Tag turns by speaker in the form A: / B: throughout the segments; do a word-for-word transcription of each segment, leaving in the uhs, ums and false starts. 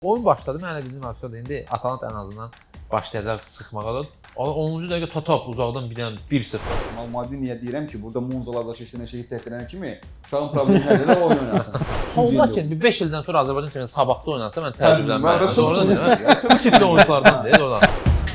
A: Oyun başladı, mən elə bildim aslında indi Atalanta ən azından başlayacaq sıxmağa da. onuncu dəqiqə Tatap uzaqdan bir dənə bir sıfır.
B: Maldiniyə deyirəm ki, burada Monzalarda keçdiyən şeyi çəkdirən kimi uşağın problemi nədir də oyun oynasın.
A: Onlar ki, bir beş ildən sonra Azərbaycan kimi sabahda oynansa mən təəccüblənmərəm. Sonra deyirəm, bu tipli oyunculardan deyil oradan.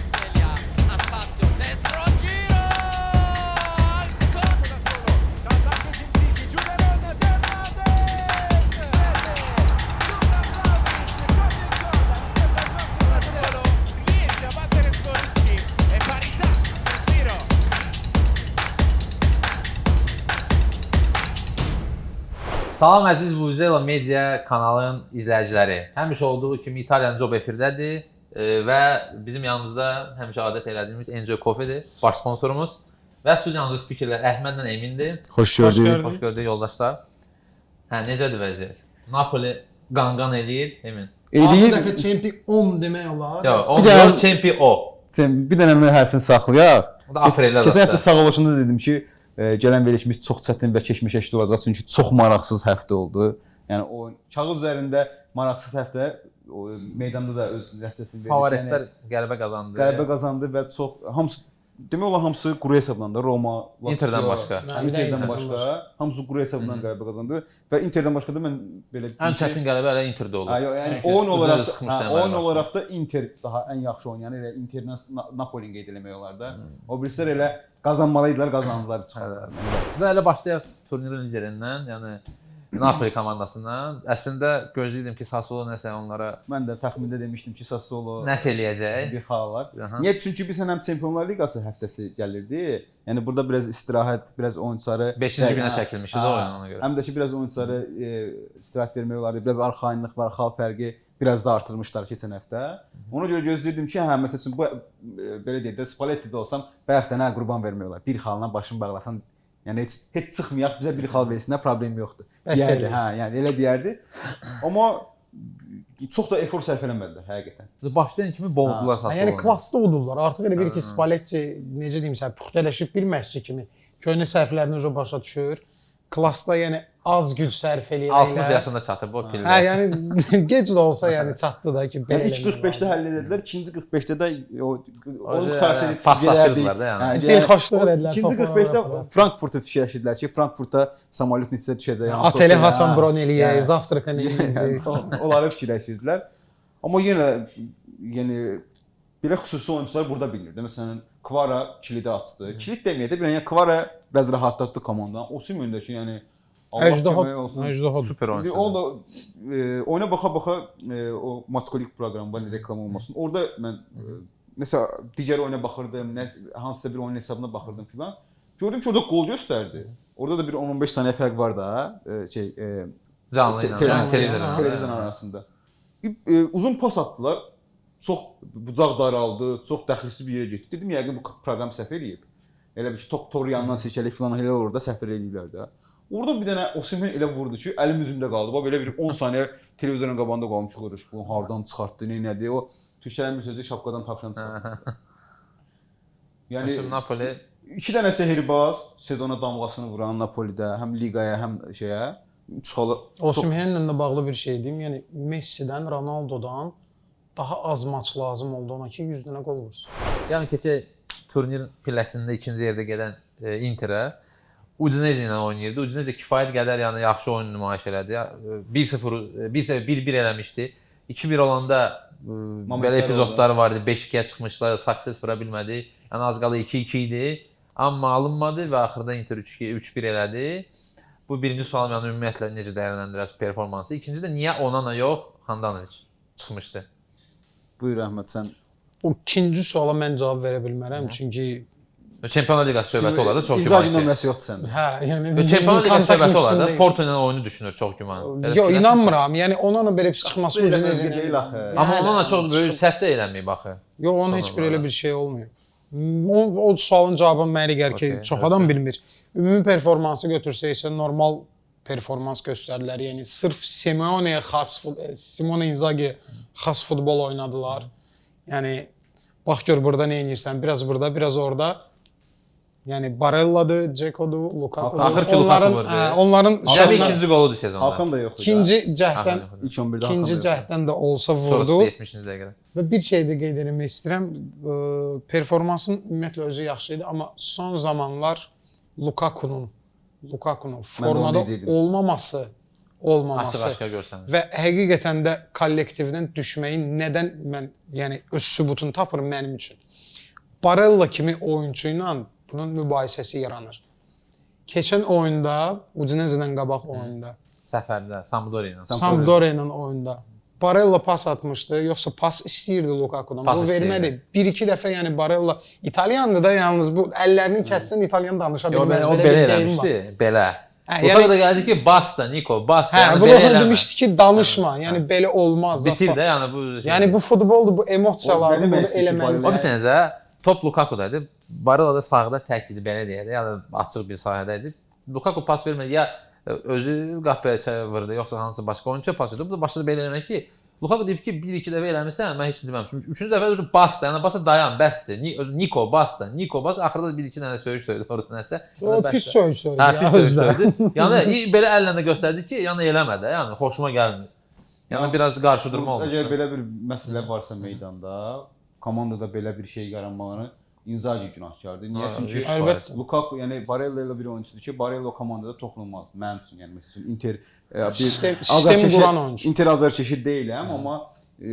A: Salam əziz Vuvuzela Media kanalının izləyiciləri. Həmişə olduğu kimi İtaliyan Job efirdədir və bizim yanımızda həmişə adət elədiyimiz Enjoy Coffee'dir, baş sponsorumuz və studiyamızda spikerlər Əhmədlə Emindir.
C: Xoş gördük.
A: Xoş gördük yoldaşlar. Hə, necədir vəziyyət? Napoli qanqan eləyir, Emin.
C: Eləyir.
D: altı dəfə çempion demək olar.
A: Yox, on dörd çempion o.
C: Sən bir dənə mən hərfini saxlayaq.
A: O da apreldə zaten.
C: Keçən həftə sağollaşında dedim ki, e, gələn verilişimiz çox çətin və keşməkeşli olacaq çünki çox maraqsız həftə oldu. Yəni o kağız üzərində maraqsız həftə, o meydanda da öz nəticəsini verdi.
A: Favoritlər qələbə qazandı.
C: Qələbə qazandı və çox hamısı demək olar hamısı quru hesablandı. Roma, Lazio,
A: Interdən başqa.
C: Interdən başqa, hamısı quru hesabından qələbə qazandı və Interdən başqa da mən belə
A: ən çətin qələbə elə Interdə oldu.
C: Ha, yox, yəni
A: Çünki
C: oyun olaraq,
A: sıxmışdı
C: hə,
A: əməli
C: oyun
A: başda.
C: olaraq da Inter daha ən yaxşı oynayan, elə Interdən Napoli qeyd eləmək olar da. O birislər elə qazanmalıydılar, qazandılar çıxardılar.
A: Və elə başlayaq turnirin liderindən, yəni Napoli komandasından. Əslində gözləyirdim ki, Sassuolo nəsə onlara
C: Mən də təxmində demişdim ki, Sassuolo
A: nəsə eləyəcək.
C: bir xalalar.
A: Aha.
C: Niyə? Çünki biz həm Çempionlar Liqası həftəsi gəlirdi. Yəni burada biraz istirahət, biraz oyunçuları
A: beşinci günə
C: Hə,
A: çəkilmişdi də
C: hə,
A: oyun ona görə.
C: Həm də ki biraz oyunçuları e, istirahət vermək olardı. Biraz arxayınlıq var, xal fərqi biraz da artırmışlar keçən həftə. Ona görə gözləyirdim ki, hə məsəl üçün bu e, belə deyək də Spalletti-də olsam, bu həftə nə qurban vermək olar. Bir xalına başını bağlasan, yəni heç heç çıxmayaq, bizə bir xal versinlər, problem yoxdur. Deyərdi, hə, yəni elə deyərdi. Amma çox da efor sərf eləmədilər həqiqətən.
A: Başlayan kimi boğdular Sassuolo.
D: Yəni klassda udurlar. Artıq elə bir ki, Spalletti necə deyim sən, puxtələşib bir məşqçi kimi köhnə səhvlərini o başa düşür. Klassda yəni az güc sərf eləyirlər.
A: altmış yaşında çatıb o pillə.
D: Hə, yəni gec də olsa yəni çatdı da ki, belə.
C: Yəni ilk qırx beşdə həll edildilər, ikinci qırx beşdə də o oyun
A: hə,
C: qutarsaydı
A: paslaşırdılar da yəni.
D: Dil xoşluq edilər.
C: İkinci qırx beşdə Frankfurtu fikirləşirdilər ki, Frankfurtda samolyot neçəsə düşəcək.
D: Ateli haçan bron eləyək, zavtraka nə eləyəcək.
C: Onları fikirləşirdilər. Amma yenə yəni belə xüsusi oyunçular burada bilinirdi. Məsələn, Kvara kilidi atdı. Kilit deməyək də, bir yəni Kvara biraz rahatlatdı komandanı. Osimhen də ki, yəni Allah kömək olsun.
D: Əcdaha
A: Super oyunçu.
C: O da e, oyuna baxa-baxa e, o Matskolik proqramı var, reklam olmasın. Orada mən e, nəsə digər oyuna baxırdım, nə hansısa bir oyun hesabına baxırdım filan. Gördüm ki, orada qol göstərdi. Orada da bir on on beş saniyə fərq var da, e, şey e,
A: Canlı ilə,
C: te-
A: yəni
C: te-
A: televizorla.
C: televizyon arasında. E, uzun pas atdılar. Çox bucaq daraldı, çox dəxilsiz bir yerə getdi. Dedim yəqin bu proqram səhv eləyib. Elə bir ki, top toru yandan seçəlik filan elə olur da səhv eləyirlər də. Orada bir dənə Osimhen elə vurdu ki, əlim üzümdə qaldı. Bax belə bir on saniyə televizorun qabağında qalmış qırış. Bu hardan çıxartdı, nə nədir? O Türklərin bir sözü şapkadan tavşan çıxartdı. Yəni
A: Məsələn Napoli
C: iki dənə sehirbaz sezona damğasını vuran Napolidə, həm liqaya, həm şeyə çıxalı.
D: Osimhenlə də bağlı bir şey deyim. Yəni Messidən, Ronaldodan daha az maç lazım oldu ona ki, yüz dənə qol vursun.
A: yəni keçək turnirin pilləsində ikinci yerdə gedən e, Interə Udinese ilə oynayırdı. Udinese kifayət qədər yəni yaxşı oyun nümayiş elədi. bir sıfır bir bir eləmişdi. iki bir olanda e, belə epizodlar var idi. beş ikiyə çıxmışlar, success vura bilmədi. Yəni az qala iki iki idi. Amma alınmadı və axırda Inter üç iki üç bir elədi. Bu birinci sualım yəni ümumiyyətlə necə dəyərləndirirsən performansı? İkinci də niyə Onana yox, Handanovic çıxmışdı?
C: Buyur Əhməd sən.
D: O ikinci suala mən cavab verə bilmərəm, çünki
A: Çempionlar Liqası söhbəti olar da çox
C: İnzaghi
A: güman.
C: nömrəsi yoxdur səndə.
D: hə, yəni
A: Çempionlar Liqası söhbəti olar da
D: kontaktin
A: Porto ilə oyunu düşünür çox güman.
D: Yox, inanmıram. Yəni onunla belə bir çıxması
C: Belə
D: Udinese
C: özgə deyil axı.
A: Amma
D: Yəni,
A: ondan çox böyük səhv də eləməyib axı.
D: Yox, onun heç bir elə bir şey olmuyor. O, o sualın cavabı mənə elə gəlir ki,
A: Okay,
D: çox
A: okay.
D: adam bilmir. Ümumi performansı götürsək isə normal performans göstərdilər. Yəni sırf Simeone'yə xas, Simone Inzaghi xas futbol oynadılar. Yəni bax gör burada nə edirsən, biraz burada, biraz orada. Yəni Barella'dır, Dzeko'dur, Lukaku'dur.
A: Axır ki,
D: onların
A: Lukaku vurdu.
D: hə, onların
A: Cəmi
D: şahına-
A: ikinci qoludur sezonda.
C: Hakan da yoxdur.
D: ikinci cəhddən
A: Hakan yoxdur.
C: İlk on birdə Hakan
D: ikinci
C: da yoxdur.
D: cəhddən də olsa
A: Sonrası
D: vurdu.
A: yetmişinci dəqiqədə.
D: Və bir şey də qeyd etmək istəyirəm. Ə, performansın ümumiyyətlə özü yaxşı idi, amma son zamanlar Lukaku'nun Lukaku'nun formada
C: deyəcəkdim.
D: olmaması, olmaması
A: Açıq-aşkar görsənir.
D: və həqiqətən də kollektivdən düşməyin nədən mən yəni öz sübutunu tapıram mənim üçün. Barella kimi oyunçu ilə bunun mübahisəsi yaranır. Keçən oyunda, Udinese-dən qabaq oyunda,
A: Səfərdə Sampdoria ilə.
D: Sampdoria ilə oyunda Barella pas atmışdı, yoxsa pas istəyirdi Lukaku'dan.
A: Pas
D: Bu
A: istəyirdi.
D: vermədi. Bir iki dəfə yəni Barella İtalyandı da yalnız bu əllərini kəssən İtalyan danışa
A: Yo,
D: bilməz.
A: belə, o
D: Belə
A: belə
D: bir deyim var.
A: eləmişdi, belə.
D: Hə,
A: Lukaku
D: yəni-
A: da gəldi ki, basta Niko, basta.
D: Hə,
A: yəni
D: bu
A: belə
D: da
A: eləmə.
D: demişdi ki, danışma. Yəni belə olmaz.
A: Bitir
D: zaten.
A: də, yəni bu şey.
D: Yəni bu futboldur, bu emosiyalardır,
C: O nə
D: bunu
C: demək istəyir ki,
D: eləməlisən.
A: O bir sənəcə top Lukaku'daydı. Barella da sağda tək idi, belə deyək də, yəni açıq bir sahədə idi. Lukaku pas vermədi, ya özü qapıya vurdu, yoxsa hansı başqa oyunçuya pas verdi. Bu da başladı belə eləmək ki, Lukaku deyib ki, bir iki dəfə eləmirsən, mən heç nə deməmişəm. Üçüncü dəfə dedi basta, yəni basta dayan, bəsdir. Ni- Niko basta, Niko bas, axırda da bir iki dənə söyüş söyüdü orada nəsə.
D: O pis söyüş söydü.
A: Hə,
D: ya,
A: pis söyüş
D: özdə.
A: söyüdü. Yəni i- belə əllə də göstərdi ki, yəni eləmə də, yəni xoşuma gəlmir. Yəni biraz qarşıdurma olmuş.
C: Əgər belə bir məsələ varsa meydanda, komandada belə bir şey yaranmalarını Inzaghi günahkardır. Niyə?
A: Ha,
C: Çünki
A: yüz
D: faiz.
C: Lukaku, yəni Barella ilə bir oyunçudur ki, Barella o komandada toxunulmaz. Mənim üçün, yəni məsəl üçün Inter e, bir
D: Sistem-
C: azar
D: sistemi
C: çeşid-
D: quran oyunçu.
C: Inter azar çeşid deyiləm, amma e,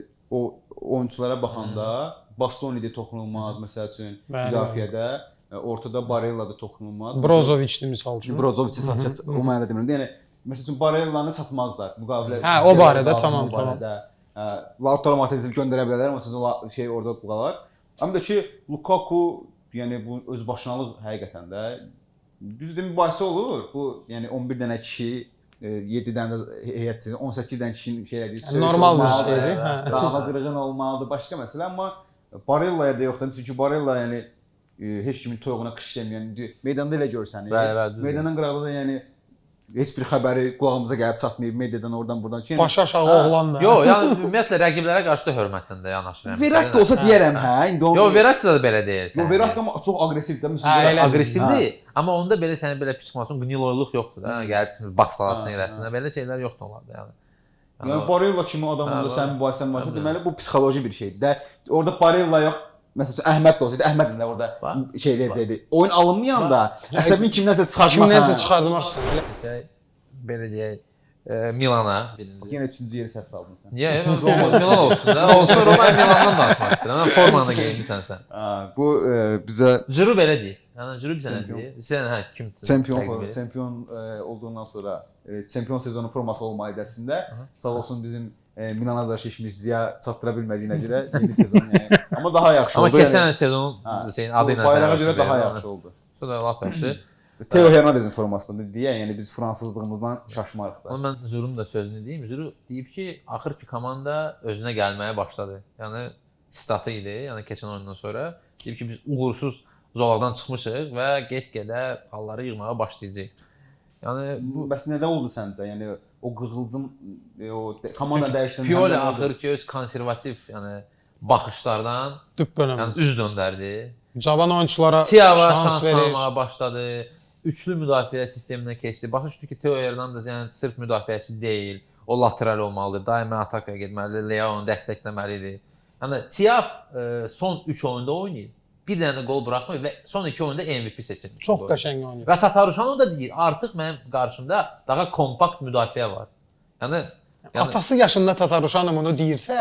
C: o oyunçulara baxanda Bastoni də toxunulmaz məsəl üçün
D: Bəli,
C: müdafiədə, e, ortada Barella da toxunulmaz.
D: Brozovic-dir misal üçün.
C: Brozovic satacaq, o mənada demirəm. Yəni məsəl üçün Barellanı satmazlar müqavilə.
D: Hə, o barədə,
C: lazım
D: tamam,
C: o barədə. Hə, Lautaro Martinez'i göndərə bilərlər, amma sizin o şey orada qalar. Amma da ki Lukaku, yəni bu öz başınalıq həqiqətən də düzdür mübahisə olur. Bu yəni on bir dənə kişi, e, yeddi dənə də heyətçi, on səkkiz dənə kişinin şey elədiyi söyüş
D: Normal bir
C: olmalıdır,
D: şeydir, hə.
C: Qanava qırğın olmalıdır, başqa məsələ, amma Barella'ya da yoxdur. Çünki Barella yəni e, heç kimin toyuğuna qış deməyən, indi meydanda elə görsənir.
A: Bəli, bəli, düzdür.
C: Meydanın qırağında da yəni heç bir xəbəri qulağımıza gəlib çatmayıb mediadan oradan buradan ki. Yəni,
D: Başı aşağı oğlan da.
A: Yo, yəni ümumiyyətlə rəqiblərə qarşı da hörmətlə də yanaşıram.
C: Verrat da olsa deyərəm, hə, indi onu.
A: Yo, Verrat da belə deyirsən.
C: Yo, Verrat da çox aqressivdir. Məsələn,
D: Hə,
C: Verrat
D: elə-
A: Aqressivdir, amma onda belə səni belə piçmasın, qniloyluq yoxdur da. Gəlib baxsalasın
C: Hə,
A: eləsinə, belə şeylər yoxdur onlarda yəni.
C: Yəni Barella kimi adam
A: Hə,
C: onda
A: var.
C: sənin mübahisən varsa,
A: Hə,
C: deməli bu psixoloji bir şeydir də. Orada Barella yox, məsələn Əhməd də olsaydı, Əhməd də orada
A: Var.
C: şey eləyəcəkdi. Oyun alınmayanda əsəbin kimdənsə çıxartmaq.
D: Kimdənsə
C: hə.
D: çıxardmarsan. Elə.
A: Şey, belə deyək, e, Milana birinci.
C: Yenə üçüncü yeri səhv saldın sən.
A: Niyə? Mən Roma, Milan olsun da. Olsun Roma Milandan danışmaq istəyirəm. Mən formanı geyinmisən sən.
C: Ha, bu e, bizə
A: Ciro belə deyir. Yəni Ciro bizə nə
C: Çempion.
A: deyir? Sən hə kim?
C: çempion
A: təqib edir?
C: çempion e, olduğundan sonra e, çempion sezonu forması olma idəsində sağ olsun bizim e, Milan azarkeşimiz Ziya çatdıra bilmədiyinə görə yeni sezon yəni. Amma daha yaxşı
A: Amma
C: oldu.
A: keçən sezonun
C: Ha,
A: şeyin
C: bu
A: adı ilə
C: bayrağa
A: sənə
C: görə daha
A: verirəm.
C: yaxşı oldu.
A: Sonra lap yaxşı.
C: Theo Hernandez'in formasında deyə, yəni biz fransızlığımızdan şaşmarıq da.
A: Amma mən Zurun da sözünü deyim. Zuru deyib ki, axır ki komanda özünə gəlməyə başladı. Yəni statı idi, yəni keçən oyundan sonra deyib ki, biz uğursuz zolaqdan çıxmışıq və get-gedə halları yığmağa başlayacağıq. Yəni
C: Bu
A: bu
C: bəs nədə oldu səncə? Yəni o qığılcım e, o də- komanda dəyişdirmə.
A: Pioli axır ki, öz konservativ, yəni baxışlardan
D: Düppönəm.
A: yəni üz döndərdi.
D: Cavan oyunçulara
A: Tiava
D: şans
A: şans
D: verir.
A: tanımağa başladı. Üçlü müdafiə sisteminə keçdi. Başa düşdü ki, Theo Hernandez yəni sırf müdafiəçi deyil. O lateral olmalıdır. Daima atakaya getməlidir. Leao onu dəstəkləməlidir. Yəni Tiaf e, son üç oyunda oynayır. Bir dənə də gol buraxmır və son iki oyunda M V P seçilmiş.
D: Çox qəşəng oynayır.
A: Və Tataruşanu da deyir, artıq mənim qarşımda daha kompakt müdafiə var. Yəni yəni
D: Atası yaşında Tataruşanım bunu deyirsə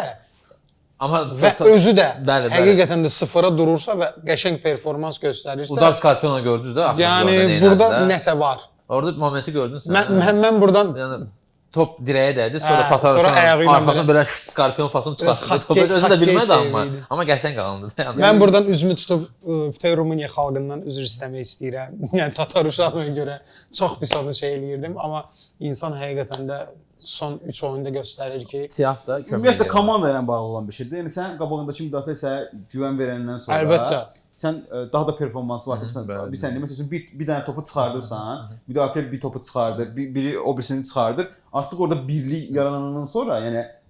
A: amma
D: və özü də
A: Bəli, bəli.
D: həqiqətən də sıfıra durursa və qəşəng performans göstərirsə,
A: Udar Skarpiona gördünüz də axırıncı
D: yəni
A: oyunda nə
D: burada
A: elədi də?
D: nəsə var.
A: Orada momenti gördün sən.
D: Mən mən, mən buradan
A: Yəni top dirəyə dəydi, sonra
D: Hə,
A: Tataruşan
D: sonra ayağı ilə
A: arxasına belə skarpion fasını çıxartdı.
D: Biraz
A: Topu
D: hokkey-
A: özü də bilmədi
D: hokkey
A: amma.
D: sevgili.
A: Amma qəşəng alındı da. Yəni.
D: mən buradan üzümü tutub ə, bütün Rumıniya xalqından üzr istəmək istəyirəm. Yəni Tataruşanoya görə çox pis onu şey eləyirdim, amma insan həqiqətən də son üç oyunda göstərir ki,
A: Siyah da kömək
C: Ümumiyyətlə
A: edir.
C: komanda ilə bağlı olan bir şeydir. Yəni sən qabağındakı müdafiə sənə güvən verəndən sonra
D: əlbəttə
C: sən e, daha da performansı var. Sən
A: bəli.
C: bir sən məsəl üçün bir, bir dənə topu çıxardırsan, müdafiə bir topu çıxardır, bir, biri o birisini çıxardır. Artıq orada birlik yaranandan sonra, yəni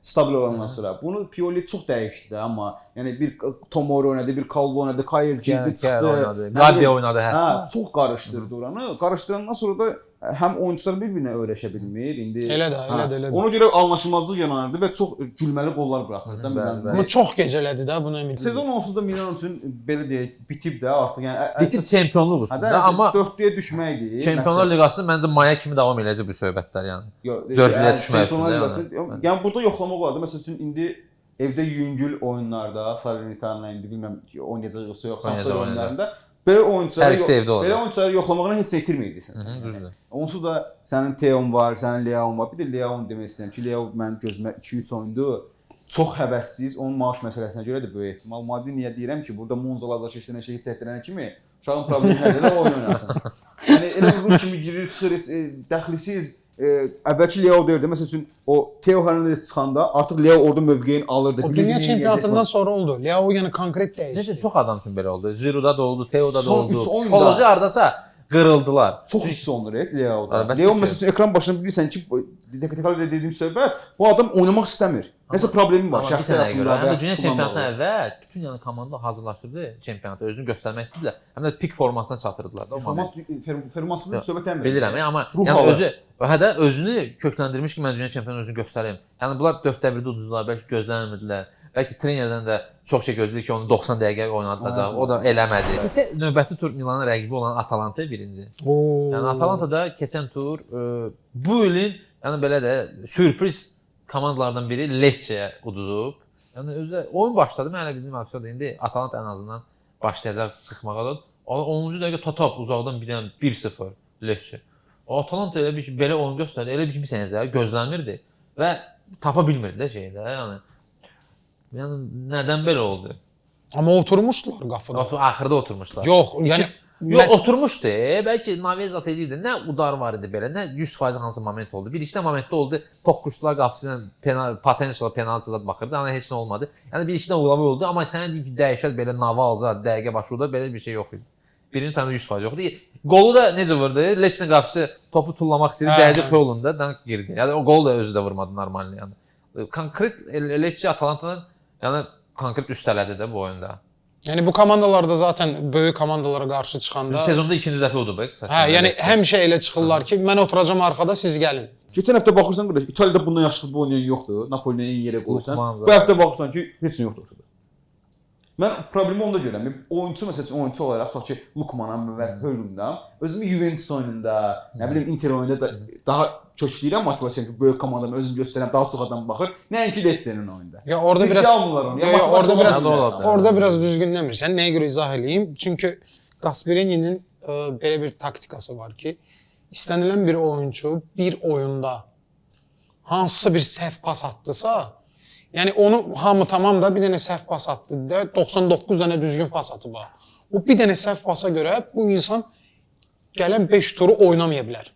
C: stabil olandan sonra. Bunu Pioli çox dəyişdi də, amma yəni bir Tomori oynadı, bir Calvo oynadı, Kayer girdi, çıxdı.
A: oynadı. Gabi oynadı hətta.
C: Hə, çox qarışdırdı oranı. Qarışdırandan sonra da həm oyunçular bir-birinə öyrəşə bilmir. İndi
D: Elə də, elə də, elə də.
C: Ona görə anlaşılmazlıq yaranırdı və çox gülməli qollar buraxırdı da Milan.
D: Amma çox gecələdi də, buna ümid edirəm.
C: Sezon onsuz da Milan üçün belə deyək, bitib də artıq. Yəni
A: Bitir çempionluq üstündə, amma
C: dördlüyə düşməkdir.
A: Çempionlar Liqası məncə maya kimi davam edəcək bu söhbətlər yəni. dördlüyə düşmək üçün də yəni.
C: Yəni burada yoxlamaq olardı. Məsəl üçün indi evdə yüngül oyunlarda, Salernitana indi bilmirəm oynayacaq yoxsa yox, saxta oyunlarında belə oyunçuları belə oyunçuları yoxlamağına heç nə itirməyəcəksən.
A: Düzdür.
C: Onsuz da sənin Teon var, sənin Leao var. Bir də Leao demək istəyirəm ki, Leao mənim gözümə iki üç oyundur. Çox həvəssiz. Onun maaş məsələsinə görə də böyük ehtimal. Maddi niyə deyirəm ki, burada Monzalarda keçən şeyi çəkdirən kimi uşağın problemi nədir? Oyun oynasın. Yəni elə bir kimi girir, çıxır, dəxlisiz. E, əvvəlki Leo deyirdi. Məsəl üçün o Theo Hernandez çıxanda artıq Leo orada mövqeyini alırdı.
D: O dünya çempionatından sonra oldu. Leo yəni konkret dəyişdi.
A: Necə çox adam üçün belə oldu. Giroud da oldu, Theo'da da oldu. Psixoloji hardasa qırıldılar.
C: Çox hiss olunur Leo'da. Leo məsəl üçün ekran başında bilirsən ki, teknikal dediyim söhbət, bu adam oynamaq istəmir. Nəsə problemi var şəxsi həyatında.
A: Həm də dünya çempionatına əvvəl bütün yəni komanda hazırlaşırdı çempionata, özünü göstərmək istədilər. Həm də pik formasına çatdırdılar da o moment.
C: Formasında söhbət eləmirəm.
A: Bilirəm, amma yəni özü hədə özünü kökləndirmiş ki, mən dünya çempionu özünü göstərim. Yəni bunlar dörddə birdə uduzdular, bəlkə gözləmirdilər. Bəlkə trenerdən də çox şey gözləyir ki, onu doxsan dəqiqə oynadacaq. O da eləmədi. Keçən növbəti tur Milanın rəqibi olan Atalanta birinci. Yəni Atalanta da keçən tur bu ilin yəni belə də sürpriz komandalardan biri Lecce'yə uduzub. Yəni özü oyun başladı. Mən elə bildiyim aksiyoda indi Atalanta ən azından başlayacaq sıxmağa da. onuncu dəqiqə Tatap uzaqdan bir dənə bir sıfır Lecce. O Atalanta elə bir ki, belə oyun göstərdi. Elə bir ki, bir sənəcə gözləmirdi və tapa bilmirdi də şeydə. Yəni yəni nədən belə oldu?
D: Amma oturmuşdular qapıda.
A: Otur, axırda oturmuşlar.
D: Yox, yəni
A: Yox, oturmuşdu. Bəlkə Navezat edirdi. Nə udar var idi belə, nə yüz faiz hansı moment oldu. Bir iki də momentdə oldu. Toqquşdular qapısına, penal, potensial penaltı zad baxırdı. Amma heç nə olmadı. Yəni bir iki də uğurlu oldu. Amma sənə deyim ki, dəyişər belə Navalza dəqiqə başında belə bir şey yox idi. Birinci təmdə yüz faiz yoxdu. Qolu da necə vurdu? Lecce'nin qapısı topu tullamaq istəyirdi, dəydi yolunda, dank girdi. Yəni o qol da özü də vurmadı normalni yəni. Konkret Lecce Atalantanın yəni konkret üstələdi də bu oyunda.
D: Yəni bu komandalarda zaten böyük komandalara qarşı çıxanda
A: sezonda ikinci dəfə oldu bək.
D: Hə, yəni həmişə elə çıxırlar ki, mən oturacağam arxada, siz gəlin.
C: Keçən həftə baxırsan qardaş, İtaliyada bundan yaxşı futbol oynayan yoxdur. Napolini eyni yerə qoyursan. Bu həftə baxırsan ki, heç nə yoxdur ortada. Mən problemi onda görürəm. Oyunçu məsəl üçün oyunçu olaraq tutaq ki, Lukmanam və Hörlümdən özümü Juventus oyununda, nə bilim Inter oyununda da daha kökləyirəm motivasiya ki, böyük komandamı özümü göstərəm, daha çox adam baxır. Nəinki Lecce'nin oyunda.
D: Ya orada biraz
C: ya
D: orada biraz orada biraz düzgün demirsən. Nəyə görə izah eləyim? Çünki Gasperini'nin belə bir taktikası var ki, istənilən bir oyunçu bir oyunda hansısa bir səhv pas atdısa, yəni onu hamı tamam da bir dənə səhv pas atdı da doxsan doqquz dənə düzgün pas atıbı. O bir dənə səhv pasa görə bu insan gələn beş turu oynamaya bilər.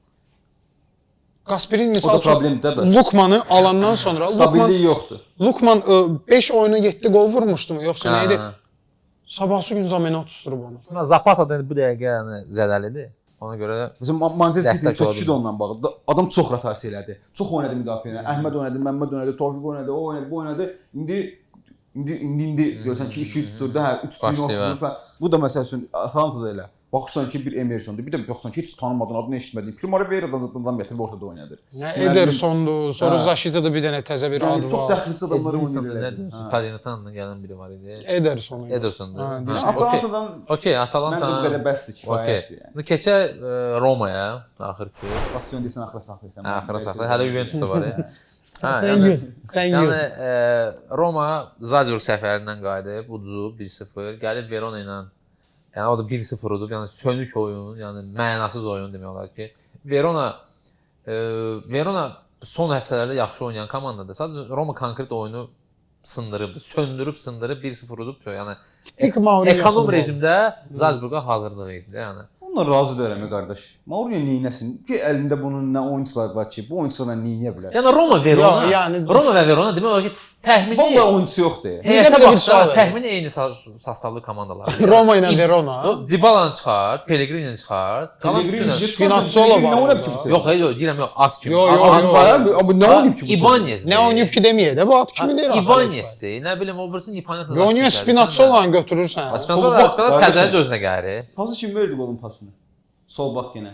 D: Gasperini misal üçün Lukmanı alandan sonra
C: stabilliyi yoxdur.
D: Lukman beş oyuna yeddi gol vurmuşdu mu yoxsa nə idi? Sabahsı gün Zamenot tutturub onu.
A: Zapata da bu dəqiqə yəni zədəlidir. Ona görə
C: məsələn Manchester City çox kişi də ondan bağlıdır. Adam çox rotasiya elədi. Çox oynadı müdafiəyə. Əhməd oynadı, Məmməd oynadı, Tofiq oynadı, o oynadı, bu oynadı. İndi indi indi, indi görsən ki iki üç turda hə üç tur. Bu da məsəl üçün Atalantada elə. Baxırsan ki, bir Emersondur, bir də baxırsan ki, heç tanımadığın, adını eşitmədiyin Primavera-dan adam gətirib ortada oynadır.
D: Nə Edersondur, sonra Zaşita'da bir dənə təzə bir adı var.
C: Çox dəxilsiz adamlar oynayırlar.
A: Salernitanadan gələn biri var idi.
D: Ederson.
A: Edersondur.
C: Atalantadan
A: okey, Atalanta
C: məncə belə bəsdir kifayətdir yəni.
A: İndi keçək Romaya, axır ki.
C: Aksiyon desən axıra saxlayırsan.
A: Axıra saxlayır. Hələ Juventus da var ya.
D: Hə, yəni
A: yəni Roma Zagreb səfərindən qayıdıb, uduzub bir sıfır, gəlib Verona ilə. Yəni o da bir sıfır udub, yəni sönük oyun, yəni mənasız oyun demək olar ki. Verona e, Verona son həftələrdə yaxşı oynayan komandadır. Sadəcə Roma konkret oyunu sındırıbdı, söndürüb, sındırıb bir sıfır udub. Yəni ekonom rejimdə Zalzburqa hazırlığı idi yəni.
C: Onlar razı deyirəm qardaş. Mourinho neynəsin ki, əlində bunun nə oyunçular var ki, bu oyunçularla neyniyə bilər?
A: Yəni Roma Verona,
D: yəni
A: Roma və Verona demək olar ki, Təxmini
C: Vallahi oyunçusu yoxdur.
A: heyətə
D: belə bir
A: baxsa
D: sual verin.
A: təxmini eyni sastavlı komandalar.
D: Roma ilə Verona.
A: Dybala'nı çıxart, Pellegrini çıxart. Qalan
C: Pellegrini
A: bütün
D: Spinazzola var
C: Nə oynayıb
D: orada.
C: ki?
A: Yox, yox, deyirəm yox, at kimi.
D: Yox, yox,
A: At-
D: yox.
C: Bayağı amma nə oynayıb ki bu?
A: İbanez.
D: Nə oynayıb ki deməyək də, bu at kimi deyir. axı.
A: İbanezdir. Nə bilim, o birisi İbanez.
D: Və oynayır Spinazzolanı götürürsən.
A: Spinazzola
C: Sol bak,
A: təzəli
C: qardeşim.
A: özünə gəlir.
C: Pası kim verdi golun pasını? Sol bak yenə.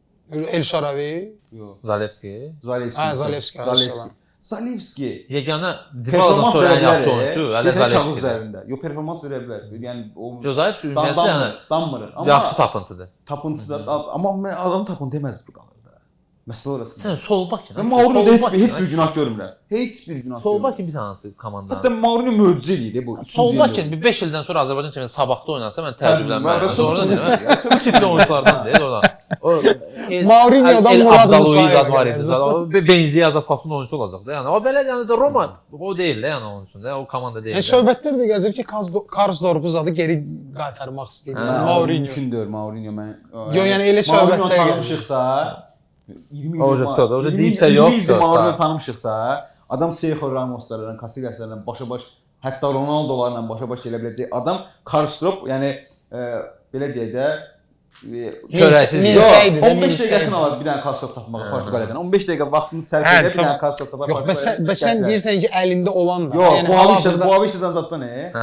D: El Şaravi.
C: Yox.
A: Zalewski.
C: Zalewski.
D: Ha, Zalewski,
C: Zalewski.
D: Zalewski.
C: Zalewski.
A: Yeganə Dybala'dan
C: Performans
A: sonra
C: verə
A: ən yaxşı
C: bilər.
A: oyunçu hələ
C: Desən kağız
A: Zalewskidir.
C: üzərində. Yox, performans verə bilər. Yəni o
A: Yox, Zalewski ümumiyyətlə yəni
C: danmır. Amma
A: yaxşı tapıntıdır.
C: tapıntıda amma mən adam tapıntı deməz bu qalır da. Məsələ orası.
A: Sən sol bak ya.
C: Mən Mourinho'da heç bir heç bir günah görmürəm. Heç bir günah.
A: Sol
C: görmürəm.
A: bak bir tanesi komandanın.
C: Hətta Mourinho möcüzə eləyir bu.
A: Sol bak bir beş ildən sonra Azərbaycan kimi sabahda oynarsa mən təəccüblənmərəm.
C: Təəccüblənmərəm.
A: Sonra deyirəm, bu tipli oyunçulardan deyil oradan. O El-
D: Mourinho'dan
A: El
D: Murad
A: Abdalouiz
D: Musa'ya
A: zad var
D: gəlir.
A: idi. Zad. O Benziya Azad Fasun oyunçu olacaq da. Yəni o belə yəni də Roma o deyil də yəni onun üçün də o komanda deyil.
D: Yəni
A: də.
D: söhbətlər də gəzir ki, Karsdorp zadı geri qaytarmaq istəyir.
A: Hə,
D: Mourinho.
C: Mümkündür Mourinho mən.
D: Yo, yəni elə söhbətlər gəlir.
C: tanımışıqsa iyirmi
A: O
C: il-
A: söhbət, o
C: iyirmi-
A: deyibsə
C: iyirmi
A: yox,
C: ildir
A: söhbət.
C: Mourinho tanımışıqsa, adam Sergio Ramoslarla, Casillaslarla başa-baş, hətta Ronaldolarla başa-baş gələ biləcək adam Karsdorp, yəni e, belə deyək də e,
A: Çörəksiz
D: Mil-
A: yox.
D: milçəkdir də,
C: on beş
D: milçək.
C: dəqiqəsini alır bir dənə Karsdorp tapmağa Portuqaliyadan. on beş dəqiqə vaxtını sərf
D: Hə,
C: edə bir
D: tamam.
C: dənə Karsdorp tapar.
D: Yox, bəs sən, bəs sən
C: Gətirər.
D: deyirsən ki, əlində olan da.
C: Yox,
D: yəni
C: bu Avişdə,
D: hal-hazırda-
C: bu Avişdədən zatda nə?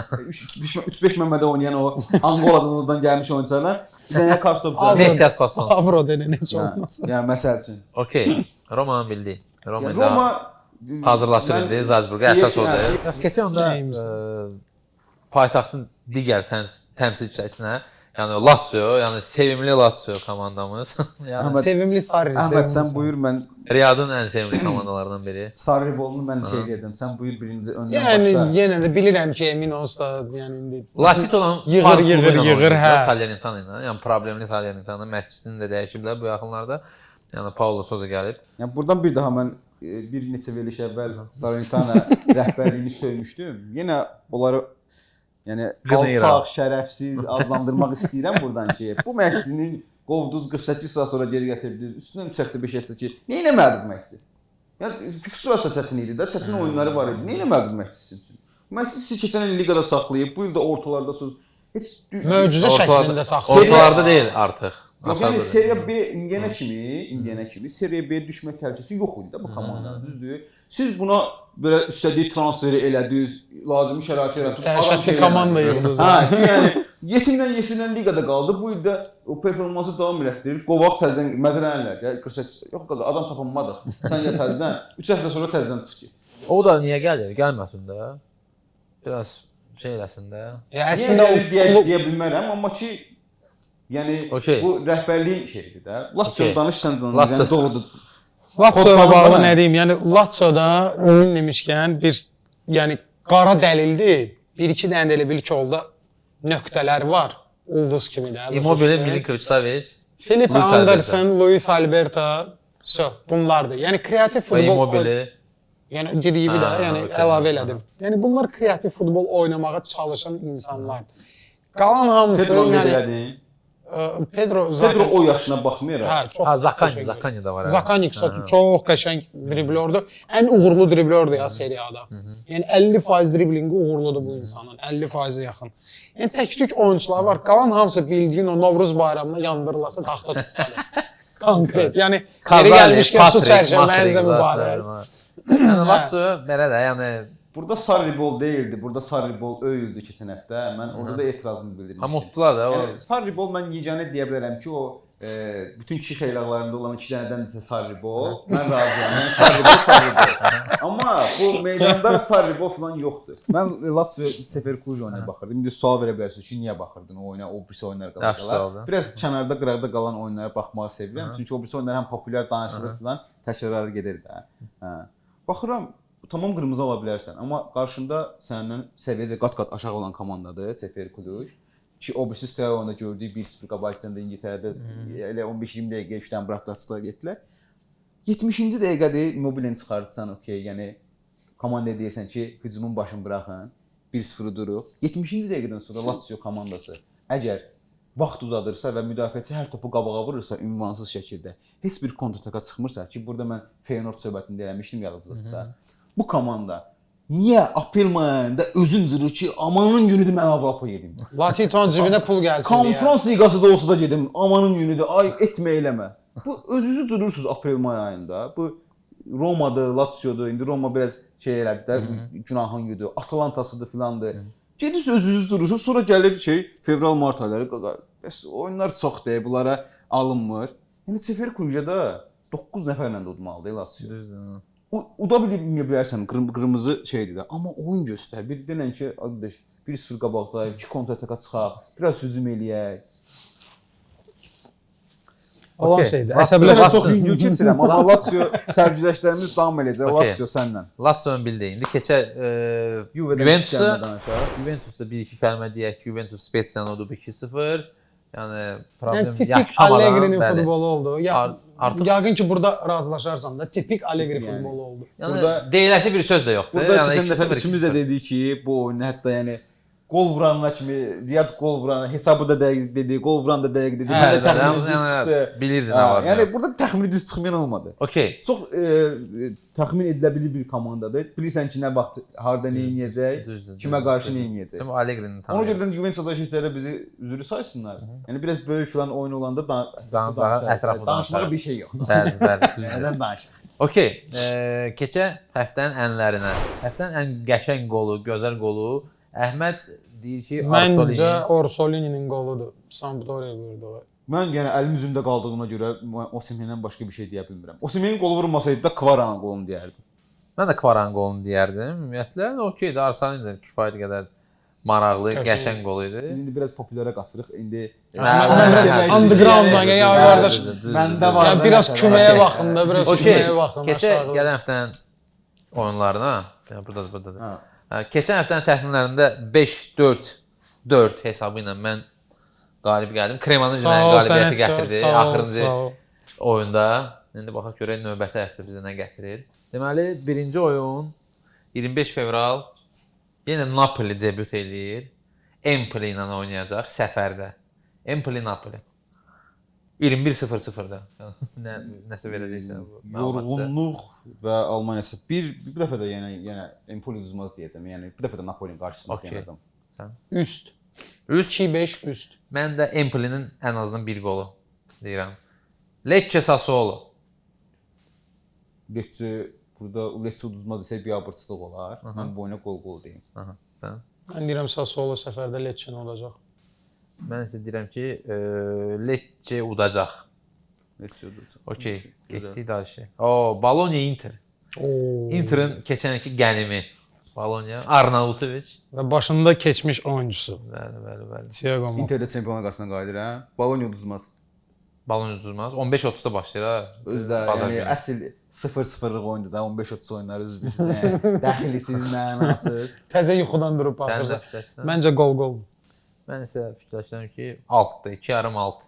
C: üç beş Məmmədə oynayan o Angoladan gəlmiş oyunçular. Bir dənə Karsdorp.
D: Avro-
A: Messias Fason.
D: Avro denən heç
C: Yəni,
D: olmaz.
C: yəni məsəl üçün.
A: Okey. Roma'nın bildi. Roma
C: Yəni,
A: ilə
C: Roma
A: hazırlaşır
C: mən-
A: indi Zalzburqa əsas
C: Yəni,
A: odur. Bəs keçən onda
D: James.
A: ə, paytaxtın digər təms təmsilçisinə, yəni Lazio, yəni sevimli Lazio komandamız. yəni
C: Əhməd-
D: Sevimli Sarri.
C: Əhməd
D: sevimli
C: sən
D: Sarri.
C: buyur mən
A: Riyadın ən sevimli komandalarından biri.
C: Sarri bolunu mən şey deyəcəm. Sən buyur birinci öndən
D: Yəni
C: başla.
D: yenə də bilirəm ki, emin olsa yəni indi
A: Latito'dan
D: Yığır,
A: farklı
D: yığır,
A: ilə
D: yığır,
A: oynayır da
D: hə.
A: Salernitana ilə. Yəni problemli Salernitana məşqçisini də dəyişiblər bu yaxınlarda. Yəni Paulo Sousa gəlib.
C: Yəni buradan bir daha mən e, bir neçə veriliş əvvəl Salernitana rəhbərliyini söymüşdüm. Yenə onları yəni
A: Qınayıram.
C: alçaq, şərəfsiz adlandırmaq istəyirəm buradan ki, bu məşqçinin qovdunuz qırx səkkiz saat sonra geri gətirdiniz. Üstündən çəkdi beş etdi ki, nə etmədi bu məşqçi? Yəni fiksurası çətin idi də, çətin oyunları var idi. Nə etmədi bu məşqçi üçün? Məşqçi sizi keçən il liqada saxlayıb, bu il də ortalardasınız. Heç
D: möcüzə
A: Ortalarda,
D: şəklində saxlayır.
A: ortalarda deyil artıq.
C: Yox, yəni
A: Aşağıda.
C: Serie B indiyənə kimi, indiyənə kimi Serie B düşmə təhlükəsi yox idi də bu komandanın, düzdür? Siz buna belə istədiyi transferi elədiniz, lazımi şərait yaratdınız.
D: Dəhşətli komanda yığdınız.
C: Hə, yəni yetimdən yesinən liqada qaldı. Bu il də o performansı davam elətdirir. Qovaq təzədən məzələnlər. Ya qırx səkkiz. Yox qaqa, adam tapılmadı. Sən ya təzədən üç həftə sonra təzədən çıx ki.
A: O da niyə gəlir? Gəlməsin də. Biraz şey eləsin də.
D: Ya
C: Əslində
D: əslində
C: o
D: o
C: deyə,
D: klub
C: deyə bilmərəm, amma ki yəni
A: Okey.
C: bu rəhbərliyin şeyidir də. Lazio
A: Okey.
C: danışsan canım,
A: Lazio.
C: yəni doğrudur.
D: Lazio-la
C: Kodlarında
D: bağlı
C: nə?
D: nə deyim? Yəni Lazio-da ümumi demişkən bir yəni qara dəlildir. Bir iki dənə də elə bil ki, orada nöqtələr var. Ulduz kimi də.
A: Immobile, Milinkovic, Savic.
D: Filip
A: Luis
D: Anderson, Luis Alberto, so bunlardır. Yəni kreativ
A: və
D: futbol
A: Immobile.
D: yəni dediyi də,
A: Ha,
D: yəni
A: okey.
D: əlavə elədim. Yəni bunlar kreativ futbol oynamağa çalışan insanlardır. Qalan hamısı
C: Pedro
D: yəni
C: elədin.
D: ə, Pedro
C: Pedro
D: zaten
C: o yaşına baxmayaraq.
D: hə, çox
A: Ha, Zakani,
D: qəşəng.
A: Zakani da var. hə.
D: Zakani
A: Hə.
D: çox qəşəng driblyordur. Ən uğurlu driblyordur ya seriyada. Yəni əlli faiz driblinqi uğurludur bu insanın. əlli faizə yaxın. Yəni tək-tük oyunçular var. Qalan hamısı bildiyin o Novruz bayramında yandırılasa taxta tutulur. Konkret. Yəni yeri
A: Kazali,
D: gəlmişkən su
A: Patrick,
D: çərşənməyizdə
A: Matrik
D: mübarək.
A: var. Yəni Lazio belə də, yəni
C: Burada Sarribol deyildi. Burada Sarribol öyüldü keçən həftə. Mən orada da etirazımı bildirmişdim.
A: ha mutlular da o.
C: Yəni, Sarribol mən yeganə deyə bilərəm ki, o e, bütün kişi xeylaqlarında olan iki dənədən isə Sarribol. Mən razıyam. Yəni Sarribol, Sarribol. Amma bu meydanda Sarribol falan yoxdur. Mən Lazio Seferkuj oyuna baxırdım. İndi sual verə bilərsiniz ki, niyə baxırdın o oyuna, o birisi oyunlar
A: Yaxşı sualdır.
C: qalacaqlar. Biraz kənarda, qıraqda qalan oyunlara baxmağı sevirəm. Çünki o birisi oyunlar həm populyar danışılır falan, təkrarları gedir də. Hə. Baxıram, tamam qırmızı ala bilərsən, amma qarşında səndən səviyyəcə qat-qat aşağı olan komandadır Seferkuj. Ki o birisi Steaua-da gördüyü bir sıfır qabaqcasında İngiltərədə elə on beş iyirmi dəqiqə üçdən buraxdılar getdilər. yetmişinci dəqiqədə Immobile-ni çıxartsan, okey, yəni komandaya deyirsən ki, hücumun başını buraxın, bir sıfır duruq. yetmişinci dəqiqədən sonra Lazio komandası əgər vaxt uzadırsa və müdafiəçi hər topu qabağa vurursa ünvansız şəkildə, heç bir kontrataka çıxmırsa ki, burada mən Feyenoord söhbətində eləmişdim yadınızdadırsa. Bu komanda Niyə aprel ayında özün cırır ki, amanın günüdür mən Avropa gedim.
D: Latiton cibinə pul gəlsin deyə.
C: Konferans liqası da olsa da gedim, amanın günüdür, ay etmə eləmə. Bu özünüzü cırırsınız aprel-may ayında. Bu Roma'dır, Lazio'dur. İndi Roma biraz şey elədi də, günahın güdür. Atalantasıdır filandır. Gedirsiniz özünüzü cırırsınız, sonra gəlir şey fevral-mart ayları. Bəs oyunlar çoxdur, bunlara alınmır. Yəni Sefer Kulca'da doqquz nəfərlə də udmalıdır Lazio.
A: Düzdür.
C: Uda bilmə bilərsən, qırm qırmızı şeydir də. Amma oyun göstər. Bir denən ki, qardaş, bir sıfır qabaqdayıq, iki kontra-ataka çıxaq, biraz hücum eləyək.
D: Olan
A: Okey.
D: şeydir.
A: Lazio-
C: Əsəbləşə
D: Əsəbləşə
C: çox yüngül keçirəm, amma Lazio sərgüzəştlərimiz davam eləyəcək.
A: Okey.
C: Lazio sənlə.
A: Lazio-nun bildi. İndi keçək e,
C: Juve'dən
A: Juventus-a.
C: iki kəlmə danışaq.
A: Juventus-da bir iki kəlmə deyək ki, Juventus Speziyanı udub iki sıfır. Yəni problem
D: Yəni tipik
A: yaşamadan
D: Allegri'nin
A: bəli.
D: futbolu oldu. Ya,
A: Ar- artıq-
D: yəqin ki burada razılaşarsan da tipik Allegri
C: Yəni.
D: futbolu oldu.
A: Yəni
C: Burada-
A: deyiləsi bir söz də yoxdur.
C: Burada
A: yəni
C: keçən
A: iki
C: dəfə
A: sıfır, iki
C: üçümüz də
A: sıfır.
C: dedik ki, bu oyunu hətta yəni gol vuranlar kimi, Riyad gol vuran, hesabı da dəqiq dedi, gol vuran da dəqiq dedi.
A: Bəli,
C: Mən də
A: bəli,
C: təxmini
A: hamısı
C: düz
A: yəni
C: çıxdı.
A: bilirdi nə
C: Ha,
A: var.
C: Yəni
A: Yəni
C: burada təxmini düz çıxmayan olmadı.
A: okey.
C: Çox e, e, təxmin edilə bilir bir komandadır. Bilirsən ki, nə vaxt harda nə edəcək,
A: Düzdür.
C: kimə
A: düzdür,
C: qarşı
A: düzdür.
C: nə edəcək.
A: Sən Allegri-ni
C: Ona
A: tanıyırsan.
C: görə də Juventus-da şəhərlərə bizi üzrü saysınlar. Yəni biraz böyük filan oyun olanda da
A: Dan- daha ətraflı
C: danışmağa
A: danışarıq.
C: bir şey yox.
A: Bəli, bəli, düzdür.
C: Nədən danışaq?
A: Okey, e, keçək həftənin ənlərinə. Həftənin ən qəşəng qolu, gözəl qolu Əhməd deyir ki,
D: Məncə
A: Arsolini.
D: Orsolini'nin qoludur. Sampdoria vurdu.
C: Mən yəni əlim üzümdə qaldığına görə Osimhendən başqa bir şey deyə bilmirəm. Osimhen qolu vurmasaydı da Kvaranın qolunu deyərdim.
A: Mən də Kvaran qolunu deyərdim. Ümumiyyətlə, okeydir, Arsolini də kifayət qədər maraqlı,
D: Qəşəng.
A: qəşəng qol idi.
C: İndi biraz populyara qaçırıq. İndi
A: Hə, hə, hə.
D: Underground-dan ya
A: Düzdür,
D: qardaş.
A: düzdür, düzdür,
C: Məndə
A: düzdür.
C: var.
D: Yəni biraz
C: Okey.
D: küməyə baxın da, biraz
A: Okey,
D: küməyə baxın.
A: keçək
D: aşağı.
A: gələn həftənin oyunlarına. Yəni burdadır, burdadır.
C: Hə.
A: Hə, keçən həftənin təxminlərində beş dörd dörd hesabı ilə mən qalib gəldim. Kremanın
D: Sağ
A: mənə
D: ol,
A: qalibiyyəti
D: sənətkar,
A: gətirdi
D: sağ ol,
A: axırıncı
D: sağ ol.
A: oyunda. İndi baxaq görək növbəti həftə bizə nə gətirir. Deməli, birinci oyun iyirmi beş fevral yenə Napoli debüt eləyir. Empoli ilə oynayacaq səfərdə. Empoli Napoli. iyirmi bir sıfır sıfırda. Nə nəsə verəcəksən bu. məlumatsa.
C: Yorğunluq və Almaniyası bir bir dəfə də yəni yenə Empoli udmaz deyəcəm. Yəni bir dəfə də Napolinin qarşısında
A: Okey.
C: oynayacağam.
D: Üst.
A: Üst.
D: iki beş üst.
A: Mən də Empolinin ən azından bir qolu deyirəm. Lecce Sassuolo.
C: Lecce burada Lecce udmaz desə bir abırçılıq olar. Mən bu oyuna qol-qol deyim.
A: Aha, sən.
D: Mən deyirəm Sassuolo səfərdə Lecce olacaq.
A: Mən isə deyirəm ki, e, Lecce udacaq.
C: Lecce udacaq.
A: Okey,
C: Gözəl.
A: getdik daşı. O, Bologna Inter.
D: Oo.
A: Inter'in keçənki qənimi. Bologna, Arnautovic.
D: Və başında keçmiş oyuncusu.
A: Bəli, bəli, bəli.
D: Thiago Motta.
C: Interdə çempionlar qasına qayıdıram. Bologna udmaz.
A: Bologna uduzmaz. on beş otuzda başlayır ha.
C: Özdə
A: Bazar
C: yəni
A: günü.
C: əsl sıfır sıfırlıq oyundur da on beş otuz oyunları üzr istəyirəm. Dəxilsiz, mənasız.
D: Təzə yuxudan durub
A: Sən də
D: baxırsan.
A: fikirləşsən.
D: Məncə gol gol.
A: Mən isə fikirləşirəm ki, altda, iki yarım alt.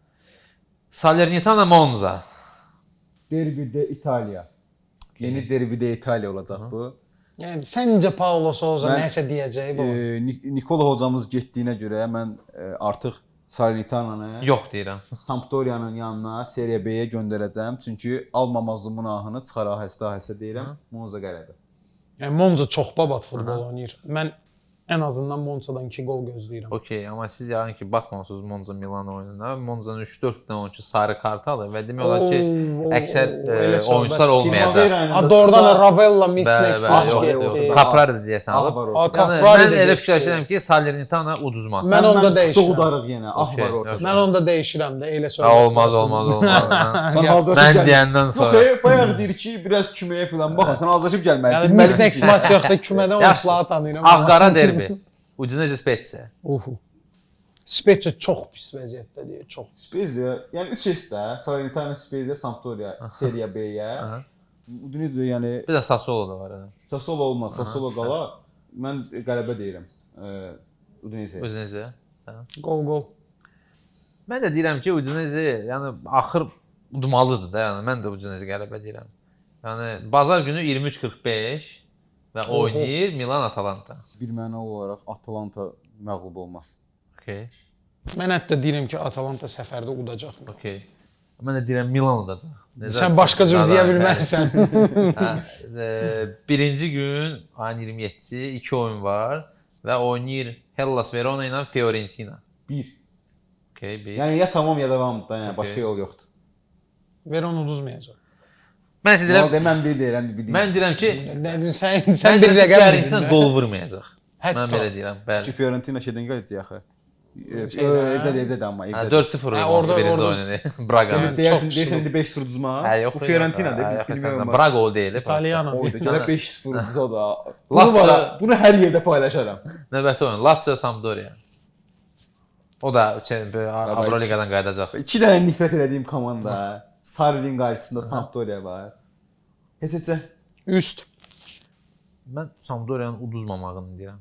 A: Salernitana Monza.
C: Derbidə İtaliya. Yeni derbidə İtaliya olacaq bu.
D: Yəni səncə Paulo Sousa
C: Mən-
D: nəsə deyəcək bu?
C: E, Nik- Nikola hocamız getdiyinə görə mən e, artıq Salernitana
A: Yox deyirəm.
C: Sampdoria'nın yanına Serie B-yə göndərəcəm. Çünki almamazlığımın ahını çıxar ahəstə-ahəstə deyirəm. Monza qələbə.
D: Yəni Monza çox babat futbol oynayır. Mən ən azından Monza'dan iki gol gözləyirəm.
A: Okey, amma siz yəqin ki, baxmamısınız Monza Milan oyununa. Monzanın üç dörd dənə oyunçu sarı kart alır və demək olar ki,
D: Oo,
A: əksər
D: oo,
A: e,
D: elə söhbət.
A: oyunçular olmayacaq.
C: Primavera ilə
D: Ha
C: də
D: doğrudan
C: çıxsa-
D: Ravella,
A: Bəli,
D: Misnek,
A: bəli,
C: Ah,
A: yox,
C: yox,
A: yox.
C: yox.
A: Caprari də deyəsən
C: Ah,
A: alıb.
C: var
D: A,
C: orada.
A: Yəni,
D: Caprari
A: mən
D: də
A: elə
D: getdi.
A: fikirləşirəm ki, Salernitana uduzmaz.
D: Mən onda
C: Səndən
D: dəyişirəm.
C: Soğudarıq yenə. Ah
A: Okey,
C: var orada.
A: okey.
D: Mən onda dəyişirəm də elə
A: Ha,
D: söhbət.
A: olmaz, olmaz, olmaz. Mən-
C: Sən hazırlaşıb
A: Mən
C: gəl-
A: deyəndən
C: Yox,
A: sonra.
C: e, bayaq deyir ki, biraz küməyə filan baxın. Sən hazırlaşıb gəlməlisən.
D: Yəni
C: Bilməlisən
D: Misnek
C: ki-
D: maç yoxdur, kümədən
A: Yaxşı.
D: oyunçuları tanıyıram.
A: Ağqara derbi. Udinese Spezia.
D: Uhu. Spezia çox pis vəziyyətdədir, çox.
C: Spezia, yəni üç hissdə, Salernitana, Spezia, Sampdoria, Serie B-yə.
A: Aha.
C: Udinese yəni
A: Bir də Sassuolo da var. ha.
C: Sassuolo olmaz, Sassuolo qala. Mən qələbə deyirəm. E, Udinese.
A: Udinese.
D: Gol gol.
A: Mən də deyirəm ki, Udinese, yəni axır udmalıdır da, yəni mən də Udinese qələbə deyirəm. Yəni bazar günü iyirmi üç qırx beş və
D: Oho.
A: oynayır Milan Atalanta.
C: Bir məna olaraq Atalanta məğlub olmaz.
A: Okey.
D: Mən hətta deyirəm ki, Atalanta səfərdə udacaq.
A: Okey. Mən də deyirəm Milan olacaq. Necə
D: Sən başqa cür deyə
A: Bəli.
D: bilmərsən.
A: Hə, e, birinci gün ayın iyirmi yeddisi iki oyun var və oynayır Hellas Verona ilə Fiorentina.
C: Bir.
A: Okay, bir.
C: Yəni ya tamam ya davamdır da, yəni başqa
A: Okey.
C: yol yoxdur.
D: Verona uduzmayacaq.
A: Mən sizə deyirəm,
C: Deyirəm, mən bir deyirəm, bir deyirəm.
A: mən deyirəm ki,
D: Nə- Sən
A: sən
D: sən bir rəqəm
A: Fiorentina
D: dedin.
A: gol vurmayacaq.
D: Hətta.
A: Mən belə deyirəm,
C: Ki
A: bəli.
C: Fiorentina şeydən gələcək axı.
D: Şeydən,
C: Evdə evdə də amma
A: Hə,
C: evdə.
A: dörd sıfır
D: Hə,
A: oldu
D: orada-
A: birinci
D: orada-
A: oyunu. Braga.
D: Yəni,
C: Deyəsən,
D: çox
C: deyəsən
D: üstün.
C: indi beş sıfır uduzma.
A: Hə, yox.
C: Bu Fiorentinadır.
A: Hə, yox,
C: bilmirəm.
A: sən Braga gol deyil.
D: İtalyan.
C: Oydu. Gələ beş sıfır uduzsa da.
A: Lazio-
C: Bunu var, bunu hər yerdə paylaşaram.
A: Növbəti oyun Lazio Sampdoria. O da çə- böyle Avroliqadan qayıdacaq.
C: İki dənə nifrət elədiyim komanda. Sarri'nin qarşısında Sampdoria var. Heç heçə.
D: Üst.
A: Mən Sampdoriyanın uduzmamağını deyirəm.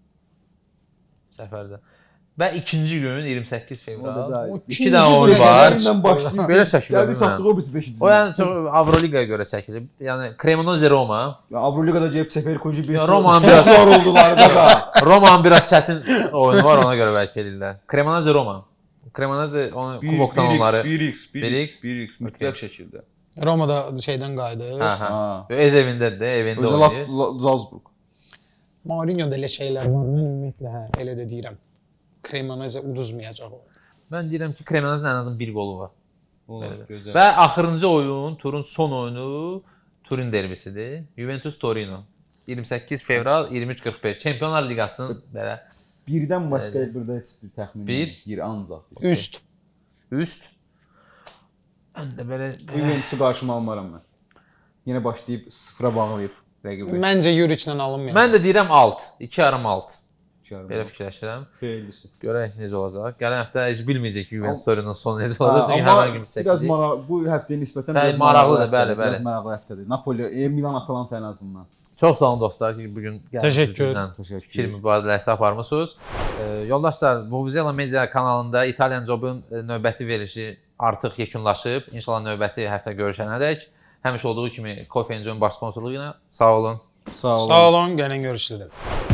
A: Səfərdə. Və ikinci gün iyirmi səkkiz fevral.
C: O
A: İki dənə oyun var.
C: başlayıb.
A: Belə çəkilir.
C: Gəldi çatdıq o biz beş.
A: O yəni çox Avroliqaya görə çəkilib. Yəni Cremonese Roma.
C: Avroligada gəlib səfər koyucu bir
A: Ya, Romanın biraz
C: zor oldular da.
A: Romanın biraz çətin oyunu var, ona görə bəlkə edirlər. Cremonese Roma. Cremonese onu kubokdan onları.
C: bir x, bir
A: bir
C: x,
A: x,
C: bir x mütləq şəkildə.
D: Romada şeydən qayıdır.
A: Hə, hə.
C: Ha.
A: Ez evindədir də, evində
C: Özə
A: oynayır.
C: Salzburg.
D: Mourinho'da elə şeylər var. Mən ümumiyyətlə hə, elə də deyirəm. Cremonese uduzmayacaq o.
A: Mən deyirəm ki, Cremonese'nin ən azından bir qolu var.
C: Olar,
A: Belə.
C: gözəl.
A: Və axırıncı oyun, turun son oyunu Turin derbisidir. Juventus Torino. iyirmi səkkiz fevral iyirmi üç qırx beş. Çempionlar Liqasının belə
C: Birdən başqa burada heç bir təxmin
A: Bir.
C: bir ancaq.
D: Üst.
A: üst. Mən də belə
C: Juventus'u qarşıma almaram mən. Yenə başlayıb sıfıra bağlayıb rəqibi.
D: Məncə Yuriçlə alınmayacaq.
A: mən də deyirəm alt, iki yarım alt.
C: Çağırma.
A: Belə fikirləşirəm.
C: Xeyirlisi.
A: Görək necə olacaq. Gələn həftə heç bilməyəcək ki, Juventus Torino'nun sonu necə
C: Ha,
A: olacaq. Çünki
C: amma
A: həmin gün
C: biraz
A: çəkiləcək.
C: mara bu həftəyə nisbətən
A: Bəli,
C: biraz
A: maraqlıdır,
C: həftədir,
A: bəli,
C: Biraz
A: bəli.
C: maraqlı həftədir. Napoli, e, Milan Atalanta ən azından.
A: Çox sağ olun dostlar ki, bu gün
D: Təşəkkür.
C: Təşəkkür.
A: fikir mübadiləsi aparmısınız. E, yoldaşlar, Vuvuzela Media kanalında İtalyan Job'un e, növbəti verilişi artıq yekunlaşıb. İnşallah növbəti həftə görüşənədək həmişə olduğu kimi Coffee and John baş sponsorluğu ilə sağ olun.
C: Sağ olun.
D: Sağ olun, gəlin görüşürük.